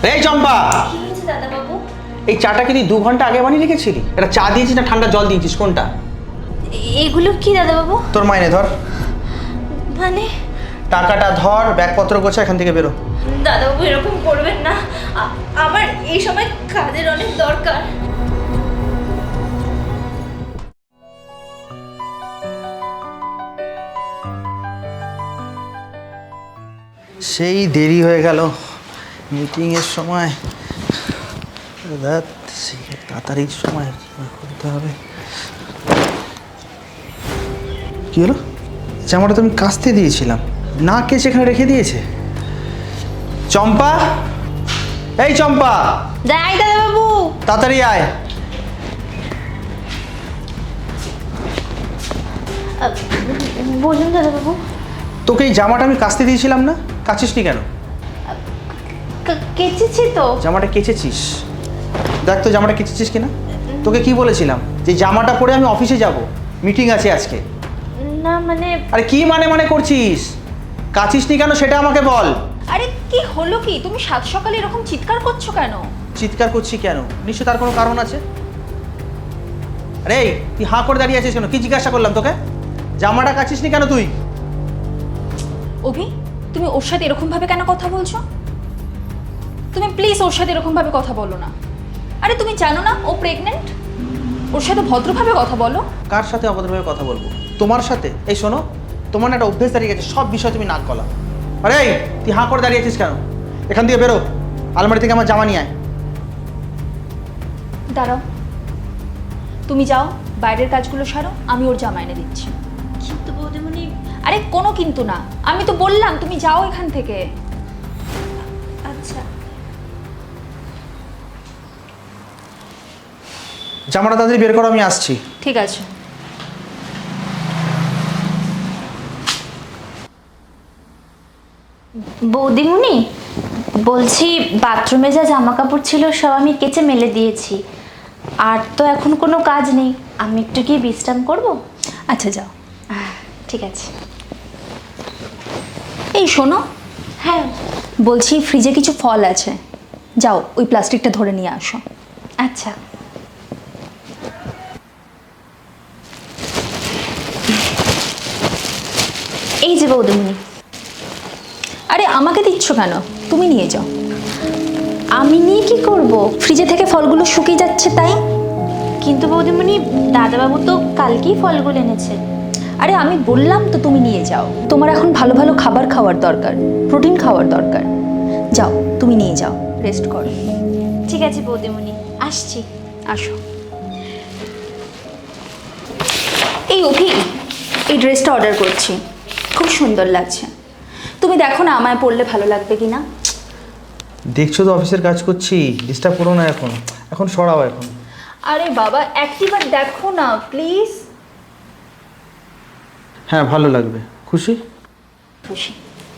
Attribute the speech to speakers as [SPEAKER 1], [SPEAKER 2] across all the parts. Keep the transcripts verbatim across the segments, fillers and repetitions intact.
[SPEAKER 1] এই চম্পা,
[SPEAKER 2] কি হয়েছে দাদা বাবু?
[SPEAKER 1] এই চাটা কি তুই দু ঘন্টা আগে বানিয়ে রেখেছিলি? এটা চা দিয়েছিস না ঠান্ডা জল দিয়েছিস, কোনটা?
[SPEAKER 2] এগুলো কি দাদা বাবু?
[SPEAKER 1] তোর মাইনে ধর,
[SPEAKER 2] মানে
[SPEAKER 1] টাকাটা ধর, ব্যাগপত্র গোছা, এখান থেকে বেরো।
[SPEAKER 2] দাদা বাবু এরকম করবেন না, আ- আমার এই সময় কাজের অনেক দরকার।
[SPEAKER 1] সেই দেরি হয়ে গেল মিটিংয়ের সময়। রাত সেই তাড়াতাড়ি সময় করতে হবে। কি হলো? জামাটা তো আমি কাচতে দিয়েছিলাম, না কে সেখানে রেখে দিয়েছে। চম্পা, এই চম্পা,
[SPEAKER 2] যাই দাদা বাবু।
[SPEAKER 1] তাড়াতাড়ি আয়।
[SPEAKER 2] বলুন দাদা বাবু।
[SPEAKER 1] তোকে এই জামাটা আমি কাচতে দিয়েছিলাম না, কাচিসনি কেন?
[SPEAKER 2] কেচেছি তো।
[SPEAKER 1] জামাটা কেচেছিস? দেখ তো জামাটা কেচেছিস কিনা। তোকে কি বলেছিলাম যে জামাটা পরে আমি অফিসে যাব, মিটিং আছে আজকে।
[SPEAKER 2] না মানে
[SPEAKER 1] আরে কি মানে মানে করছিস? কাচিসনি কেন সেটা আমাকে বল।
[SPEAKER 3] আরে কি হলো কি? তুমি সাত সকালে এরকম চিৎকার করছো কেন?
[SPEAKER 1] চিৎকার করছি কেন? নিশ্চয় তার কোনো কারণ আছে। আরে এই, তুই হাঁ করে দাঁড়িয়ে আছিস কেন? কি জিজ্ঞাসা করলাম তোকে? জামাটা কাচিসনি কেন তুই?
[SPEAKER 3] অভি, তুমি ওর সাথে এরকম ভাবে কেন কথা বলছো? তুমি প্লিজ ওর সাথে এরকম ভাবে কথা বলো না। আরে তুমি জানো না ও প্রেগনেন্ট? ওর সাথে ভদ্রভাবে কথা বলো।
[SPEAKER 1] কার সাথে অভদ্রভাবে কথা বলবো? তোমার সাথে? এই শোনো, তোমার না একটা অভ্যেস দাঁড়িয়ে গেছে, সব বিষয়ে তুমি নাক গলা। আরে এই, তুই হাঁ করে দাঁড়িয়ে আছিস কেন? এখান দিয়ে বেরো, আলমারি থেকে আমার জামা নিয়ে আয়।
[SPEAKER 3] দাঁড়াও, তুমি যাও বাইরের কাজগুলো সারো, আমি ওর জামা এনে দিচ্ছি।
[SPEAKER 2] কিন্তু বৌদিমণি।
[SPEAKER 3] আরে কোনো কিন্তু না, আমি তো বললাম তুমি যাও এখান থেকে।
[SPEAKER 2] আচ্ছা।
[SPEAKER 1] জামাটা তাড়াতাড়ি বের করো, আমি আসছি।
[SPEAKER 3] ঠিক আছে।
[SPEAKER 2] বৌদিমণি বলছি, বাথরুমে যা জামা কাপড় ছিল সব আমি কেচে মেলে দিয়েছি, আর তো এখন কোনো কাজ নেই, আমি একটু গিয়ে বিশ্রাম করব।
[SPEAKER 3] আচ্ছা যাও।
[SPEAKER 2] ঠিক আছে।
[SPEAKER 3] এই শোনো,
[SPEAKER 2] হ্যাঁ।
[SPEAKER 3] বলছি ফ্রিজে কিছু ফল আছে, যাও ওই প্লাস্টিকটা ধরে নিয়ে আসো।
[SPEAKER 2] আচ্ছা। এই যে বৌদিমণি।
[SPEAKER 3] আরে আমাকে দিচ্ছ কেন? তুমি নিয়ে যাও।
[SPEAKER 2] আমি নিয়ে কি করব?
[SPEAKER 3] ফ্রিজে থেকে ফলগুলো শুকিয়ে যাচ্ছে তাই।
[SPEAKER 2] কিন্তু বৌদিমণি, দাদাবাবু তো কালকেই ফলগুলো এনেছে।
[SPEAKER 3] আরে আমি বললাম তো তুমি নিয়ে যাও, তোমার এখন ভালো ভালো খাবার খাওয়ার দরকার, প্রোটিন খাওয়ার দরকার। যাও তুমি নিয়ে যাও, রেস্ট করো।
[SPEAKER 2] ঠিক আছে বৌদিমণি, আসছি।
[SPEAKER 3] আসো। এই অভি, এই ড্রেসটা অর্ডার করছি, খুব সুন্দর লাগছে। তুমি দেখো না আমায় পরলে ভালো লাগবে কি না।
[SPEAKER 1] দেখছো তো অফিসের কাজ করছি, ডিস্টার্ব করো না এখন, এখন সরাও এখন।
[SPEAKER 3] আরে বাবা একটিবার দেখো না প্লিজ।
[SPEAKER 1] হ্যাঁ ভালো লাগবে, খুশি?
[SPEAKER 3] খুশি।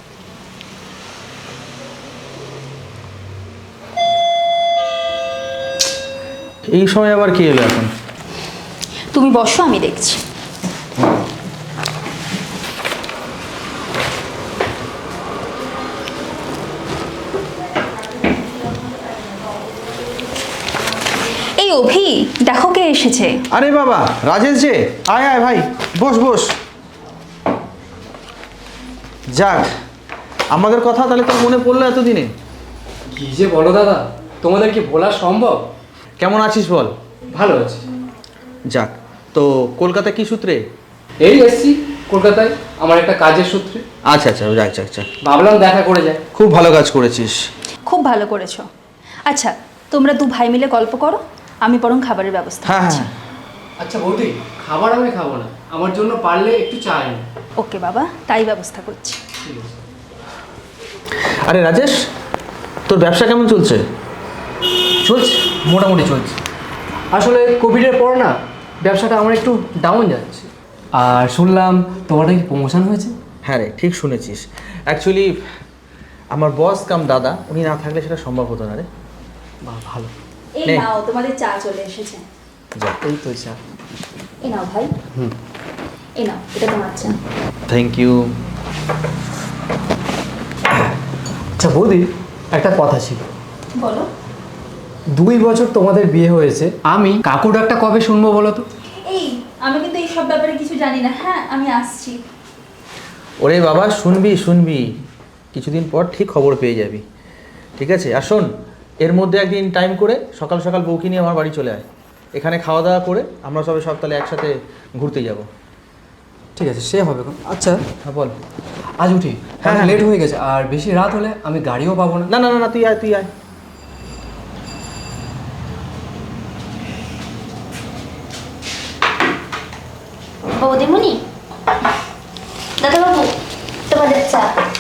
[SPEAKER 1] এই সময় আবার কি এলো এখন?
[SPEAKER 3] তুমি বসো, আমি দেখছি। এই অভি, দেখো কে এসেছে।
[SPEAKER 1] আরে বাবা, রাজেশ যে, আয় আয় ভাই, বস বস। যাক, আমাদের কথা তাহলে তোর মনে পড়লো এতদিনে।
[SPEAKER 4] কি যে বলো দাদা, তোমাদের কি বলা সম্ভব?
[SPEAKER 1] কেমন আছিস বল?
[SPEAKER 4] ভালো আছি।
[SPEAKER 1] যাক, তো কলকাতা কি সূত্রে?
[SPEAKER 4] এই এসছি কলকাতায় আমার একটা কাজের সূত্রে।
[SPEAKER 1] আচ্ছা আচ্ছা, যাক যাক যাক,
[SPEAKER 4] ভাবলাম দেখা করে যায়।
[SPEAKER 1] খুব ভালো কাজ করেছিস।
[SPEAKER 3] খুব ভালো করেছো। আচ্ছা তোমরা দু ভাই মিলে গল্প করো, আমি বরং খাবারের ব্যবস্থা
[SPEAKER 1] হ্যাঁ
[SPEAKER 3] করছি।
[SPEAKER 1] হ্যাঁ
[SPEAKER 4] আচ্ছা বৌদি, খাবার আমি খাবো না, আমার জন্য পারলে একটু চা এনে।
[SPEAKER 3] ওকে বাবা, তাই ব্যবস্থা করছি।
[SPEAKER 4] ঠিক আছে।
[SPEAKER 1] আরে রাজেশ, তোর ব্যবসা কেমন চলছে?
[SPEAKER 4] চলছে, মোটামুটি চলছে। আসলে কোভিডের পর না ব্যবসাটা আমার একটু ডাউন যাচ্ছে। আর শুনলাম তোমার নাকি প্রমোশন হয়েছে।
[SPEAKER 1] হ্যাঁ রে, ঠিক শুনেছিস। অ্যাকচুয়ালি আমার বস কাম দাদা, উনি না থাকলে সেটা সম্ভব হতো না রে।
[SPEAKER 4] বাহ ভালো।
[SPEAKER 3] এই
[SPEAKER 1] নে।
[SPEAKER 3] নাও তোমাদের চা চলে এসেছে।
[SPEAKER 1] যা,
[SPEAKER 4] এই তো চা।
[SPEAKER 3] এই নাও ভাই।
[SPEAKER 4] হুম।
[SPEAKER 3] এই নাও, এটা তোমার চা।
[SPEAKER 1] Thank you.
[SPEAKER 4] আচ্ছা বৌদি, একটা কথা ছিল।
[SPEAKER 3] বলো।
[SPEAKER 4] দুই বছর তোমাদের বিয়ে হয়েছে, আমি কাকু ডাকটা কবে শুনবো বলো তো?
[SPEAKER 3] এই আমি কিন্তু এই সব ব্যাপারে কিছু জানি না। হ্যাঁ আমি আসছি।
[SPEAKER 1] ওরে বাবা, শুনবি শুনবি, কিছুদিন পর ঠিক খবর পেয়ে যাবি, ঠিক আছে? আর শোন, এর মধ্যে একদিন টাইম করে সকাল সকাল বউকে নিয়ে আমার বাড়ি চলে আয়। এখানে খাওয়া দাওয়া করে আমরা সবাই সব তাহলে একসাথে ঘুরতে যাব।
[SPEAKER 4] ঠিক আছে, সে হবে। আচ্ছা
[SPEAKER 1] হ্যাঁ বল।
[SPEAKER 4] আজ উঠি,
[SPEAKER 1] হ্যাঁ, হ্যাঁ।
[SPEAKER 4] লেট হয়ে গেছে, আর বেশি রাত হলে আমি গাড়িও পাবো না।
[SPEAKER 1] না না না না, তুই আয় তুই আয়।
[SPEAKER 2] বৌদিমণি, দাদাবাবু, তোমাদের চা।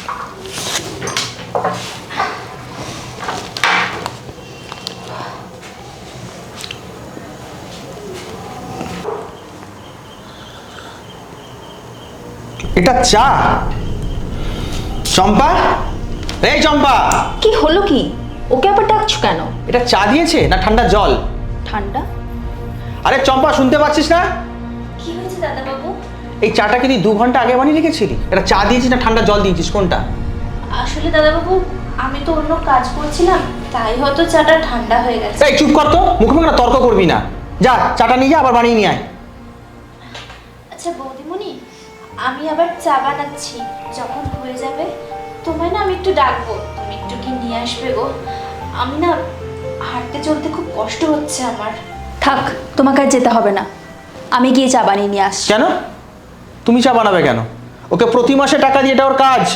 [SPEAKER 1] এটা চা? চম্পা, এই চম্পা,
[SPEAKER 3] কি হলো কি? ওকে আবার ডাকছো কেন?
[SPEAKER 1] এটা চা দিয়েছে না ঠান্ডা জল?
[SPEAKER 3] ঠান্ডা।
[SPEAKER 1] আরে চম্পা, শুনতে পাচ্ছিস না?
[SPEAKER 2] কি হয়েছে দাদাবাবু?
[SPEAKER 1] এই চাটা কি তুই দু ঘন্টা আগে বানিয়ে রেখেছিলি? এটা চা দিয়েছিস না ঠান্ডা জল দিয়েছিস, কোনটা?
[SPEAKER 2] আসলে দাদাবাবু, আমি তো অন্য কাজ করছিলাম, তাই হয়তো চাটা ঠান্ডা হয়ে গেছে।
[SPEAKER 1] এই চুপ কর তো, মুখে মুখে না তর্ক করবি না। যা চাটা নিয়ে যা, আবার বানিয়ে নিয়ে আয়।
[SPEAKER 2] আচ্ছা বৌদিমণি, আমি আবার চা বানাচ্ছি, যখন হয়ে যাবে তোমায় না আমি একটু ডাকবো, তুমি একটু কি নিয়ে আসবে গো? আমি না হাঁটতে চলতে খুব কষ্ট হচ্ছে আমার।
[SPEAKER 3] থাক, তোমাকে আর যেতে হবে না, আমি গিয়ে চা বানিয়ে নিয়ে আসছি।
[SPEAKER 1] কেন? তুমি চা বানাবে কেন? ওকে প্রতি মাসে টাকা দিয়ে, এটা ওর কাজ।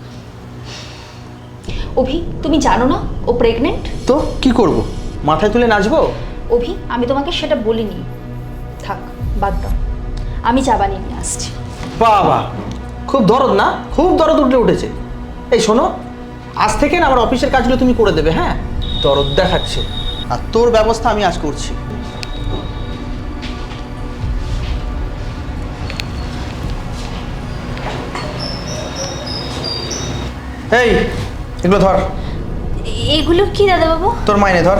[SPEAKER 3] অভি, তুমি জানো না ও প্রেগনেন্ট?
[SPEAKER 1] তো কি করব? মাথায় তুলে নাচবো?
[SPEAKER 3] অভি, আমি তোমাকে সেটা বলিনি। থাক, বাদ দাও, আমি চা বানিয়ে নিয়ে আসছি।
[SPEAKER 1] বাবা, খুব দরদ না? খুব দরদ উঠে উঠেছে। এই শোনো, আজ থেকে না আমার অফিসের কাজগুলো তুমি করে দেবে, হ্যাঁ? দরদ দেখাচ্ছে, আর তোর ব্যবস্থা আমি আজ করছি। এই এগুলো ধর।
[SPEAKER 2] এগুলো কি দাদাবাবু?
[SPEAKER 1] তোর মাইনে ধর।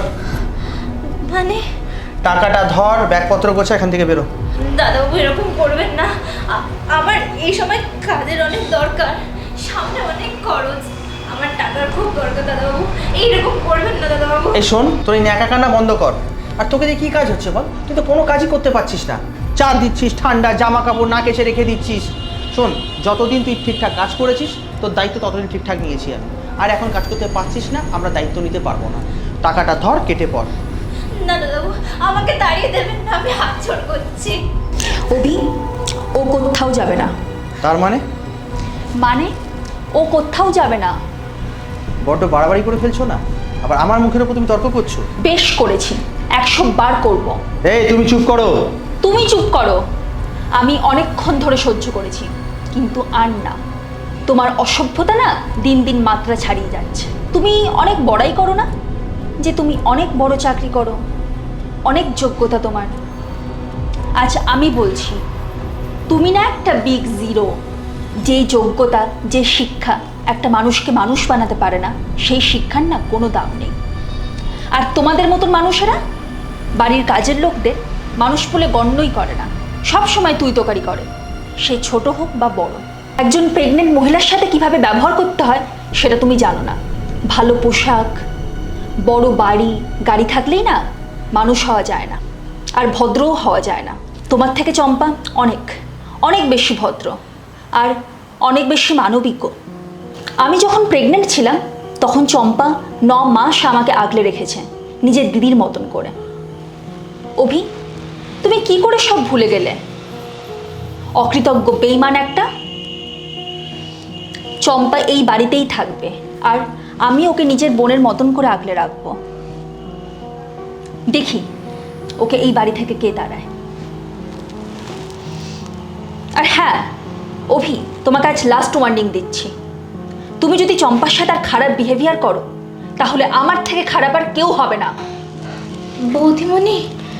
[SPEAKER 2] মানে
[SPEAKER 1] টাকাটা ধর, ব্যাগপত্র গোছা, এখান থেকে বেরো।
[SPEAKER 2] দাদাবাবু এরকম করবেন না, আ- আমার এই সময় কাজের অনেক দরকার, সামনে অনেক খরচ, আমার টাকার খুব দরকার দাদাবাবু, এইরকম করবেন না দাদাবাবু।
[SPEAKER 1] এই শোন, তোর এই ন্যাকা কান্না বন্ধ কর। আর তোকে দিয়ে কী কাজ হচ্ছে বল? তুই তো কোনো কাজই করতে পারছিস না। চা দিচ্ছিস, ঠান্ডা জামা কাপড় না কেসে রেখে দিচ্ছিস। শোন, যতদিন তুই ঠিকঠাক কাজ করেছিস, তোর দায়িত্ব ততদিন ঠিকঠাক নিয়েছি আমি। আর এখন কাজ করতে পারছিস না, আমরা দায়িত্ব নিতে পারবো না। টাকাটা ধর, কেটে পড়।
[SPEAKER 2] না দাদাবাবু, আমাকে তাড়িয়ে দেবেন না, আমি হাত জোড় করছি।
[SPEAKER 3] অভি, ও কোথাও যাবে না।
[SPEAKER 1] তার মানে?
[SPEAKER 3] মানে ও কোথাও যাবে না।
[SPEAKER 1] বড্ড বাড়াবাড়ি করে ফেলছো না? আবার আমার মুখের ওপর তুমি তর্ক করছো।
[SPEAKER 3] বেশ করেছি, একশো বার করবো।
[SPEAKER 1] এই তুমি চুপ করো।
[SPEAKER 3] তুমি চুপ করো। আমি অনেকক্ষণ ধরে সহ্য করেছি, কিন্তু আর না। তোমার অসভ্যতা না দিন দিন মাত্রা ছাড়িয়ে যাচ্ছে। তুমি অনেক বড়াই করো না, যে তুমি অনেক বড় চাকরি করো, অনেক যোগ্যতা তোমার। আজ আমি বলছি, তুমি না একটা বিগ জিরো। যে যোগ্যতা, যে শিক্ষা একটা মানুষকে মানুষ বানাতে পারে না, সেই শিক্ষার না কোনো দাম নেই। আর তোমাদের মতন মানুষেরা বাড়ির কাজের লোকদের মানুষ বলে গণ্যই করে না, সব সময় তুই তোকারি করে, সে ছোট হোক বা বড়। একজন প্রেগনেন্ট মহিলার সাথে কিভাবে ব্যবহার করতে হয় সেটা তুমি জানো না। ভালো পোশাক, বড় বাড়ি গাড়ি থাকলেই না মানুষ হওয়া যায় না, আর ভদ্রও হওয়া যায় না। তোমার থেকে চম্পা অনেক অনেক বেশি ভদ্র আর অনেক বেশি মানবিক। আমি যখন প্রেগনেন্ট ছিলাম তখন চম্পা ন মাস আমাকে আগলে রেখেছে নিজের দিদির মতন করে। অভি, তুমি কি করে সব ভুলে গেলে? অকৃতজ্ঞ বেইমান একটা। চম্পা এই বাড়িতেই থাকবে, আর আমি ওকে নিজের বোনের মতন করে আগলে রাখবো। দেখি ওকে এই বাড়ি থেকে কে তাড়ায়। আর হ্যাঁ অভি, তোমাকে আজ লাস্ট ওয়ার্নিং দিচ্ছি, তুমি যদি চম্পার সাথে আর খারাপ বিহেভিয়ার করো তাহলে আমার থেকে খারাপ আর কেউ হবে না।
[SPEAKER 2] বৌদিমণি,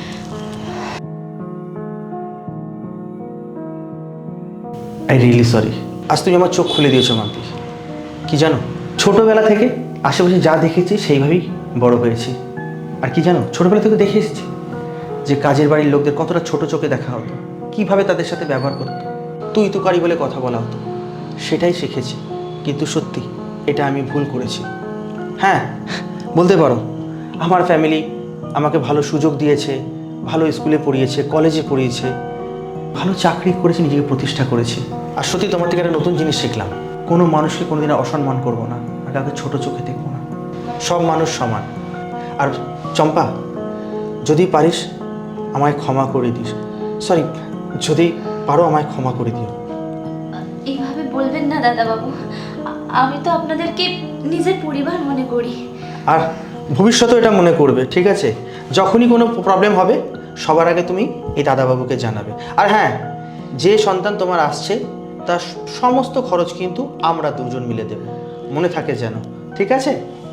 [SPEAKER 1] আই রিয়েলি সরি। আজ তুমি আমার চোখ খুলে দিয়েছো মান্তি। কি জানো, ছোটোবেলা থেকে আশেপাশে যা দেখেছি সেইভাবেই বড় হয়েছি। আর কি জানো, ছোটোবেলা থেকে দেখে এসেছি যে কাজের বাড়ির লোকদের কতটা ছোট চোখে দেখা হতো, কিভাবে তাদের সাথে ব্যবহার করতো, তুই তুকারি বলে কথা বলা হতো। সেটাই শিখেছি, কিন্তু সত্যি এটা আমি ভুল করেছি। হ্যাঁ বলতে পারো, আমার ফ্যামিলি আমাকে ভালো সুযোগ দিয়েছে, ভালো স্কুলে পড়িয়েছে, কলেজে পড়িয়েছে, ভালো চাকরি করেছে, নিজেকে প্রতিষ্ঠা করেছে। আর সত্যি তোমার থেকে একটা নতুন জিনিস শিখলাম, কোনো মানুষকে কোনোদিন অসম্মান করবো না, আর কাউকে ছোটো চোখে দেখবো না। সব মানুষ সমান। আর চম্পা, যদি পারিস আমায় ক্ষমা করে দিস, সরি যদি পারো আমায় ক্ষমা করে দিও।
[SPEAKER 2] এইভাবে বলবেন না দাদাবাবু, আ- আমি তো আপনাদেরকে নিজের পরিবার মনে করি।
[SPEAKER 1] আর ভবিষ্যতেও এটা মনে করবে, ঠিক আছে? যখনই কোনো প্রবলেম হবে সবার আগে তুমি এই দাদাবাবুকে জানাবে। আর হ্যাঁ, যে সন্তান তোমার আসছে তার সমস্ত খরচ কিন্তু আমরা দুজন মিলে দেব, মনে থাকে যেন, ঠিক আছে?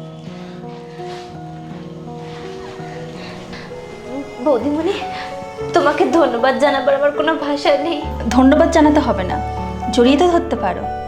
[SPEAKER 2] বৌদিমণি, তোমাকে ধন্যবাদ জানাবার আমার কোনো ভাষা নেই।
[SPEAKER 3] ধন্যবাদ জানাতে হবে না, জড়িয়ে তো ধরতে পারো।